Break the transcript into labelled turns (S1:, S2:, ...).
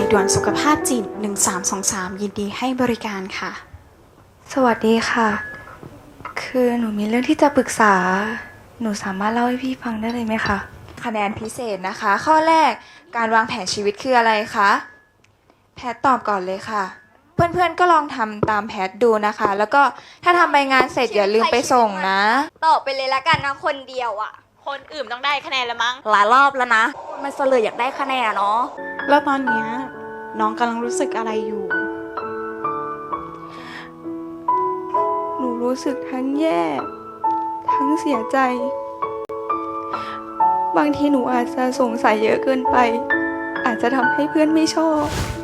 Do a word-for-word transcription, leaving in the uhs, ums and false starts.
S1: ด่วนสุขภาพจิตหนึ่งสามสองสามยินดีให้บริการค่ะ
S2: สวัสดีค่ะ คือหนูมีเรื่องที่จะปรึกษา หนูสามารถเล่าให้พี่ฟังได้เลยไหมคะ
S3: คะแนนพิเศษนะคะ ข้อแรกการวางแผนชีวิตคืออะไรคะแพทตอบก่อนเลยค่ะ เพื่อนๆก็ลองทำตามแพทดูนะคะ แล้วก็ถ้าทำใบงานเสร็จอย่าลืมไปส่งนะ
S4: ตอบไปเลยละกันนะคนเดียวอ่ะ
S5: คนอื่นต้องได้คะแนนแล้วมั้ง
S4: หลายรอบแล้วนะมันเสลยอยากได้คะแนนเนาะ
S1: แล้วตอนเนี้ยน้องกำลังรู้สึกอะไรอยู่
S2: หนูรู้สึกทั้งแย่ ทั้งเสียใจ บางทีหนูอาจจะสงสัยเยอะเกินไป อาจจะทำให้เพื่อนไม่ชอบ